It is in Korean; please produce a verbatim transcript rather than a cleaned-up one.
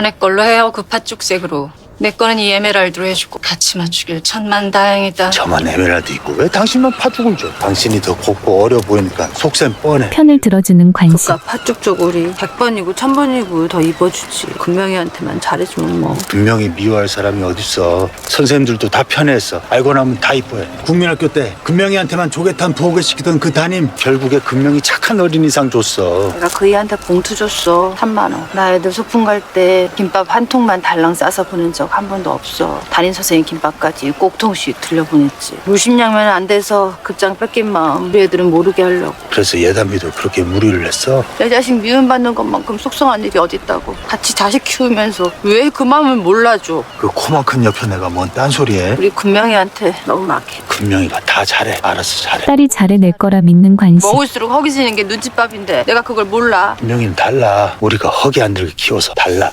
내 걸로 해요. 그 팥죽색으로. 내 거는 이 에메랄드로 해주고 같이 맞추길 천만 다행이다. 저만 에메랄드 있고 왜 당신만 파죽을 줘? 당신이 더 곱고 어려 보이니까 속셈 뻔해. 편을 들어주는 관심. 그깟 팥죽 쪼고리 백 번이고 천 번이고 더 입어주지. 금명이한테만 잘해주면 뭐. 분명히 미워할 사람이 어딨어. 선생님들도 다 편애했어. 알고 나면 다 이뻐해. 국민학교 때 금명이한테만 조개탄 부엌에 시키던 그 담임 결국에 금명이 착한 어린이상 줬어. 내가 그 애한테 봉투 줬어. 삼만 원. 나 애들 소풍 갈 때 김밥 한 통만 달랑 싸서 보낸 적 한 번도 없어. 담임 선생님 김밥까지 꼭 통씩 들려보냈지. 물심양면 안 돼서 급장 뺏긴 마음 우리 애들은 모르게 하려고. 그래서 예담이도 그렇게 무리를 했어. 내 자식 미움받는 것만큼 속상한 일이 어딨다고. 같이 자식 키우면서 왜 그 마음을 몰라줘. 그 코만 큰 옆에 내가 뭔 딴소리해. 우리 금명이한테 너무 막해. 금명이가 다 잘해. 알아서 잘해. 딸이 잘해낼 거라 믿는 관심. 먹을수록 허기지는 게 눈칫밥인데 내가 그걸 몰라. 금명이는 달라. 우리가 허기 안 들게 키워서 달라.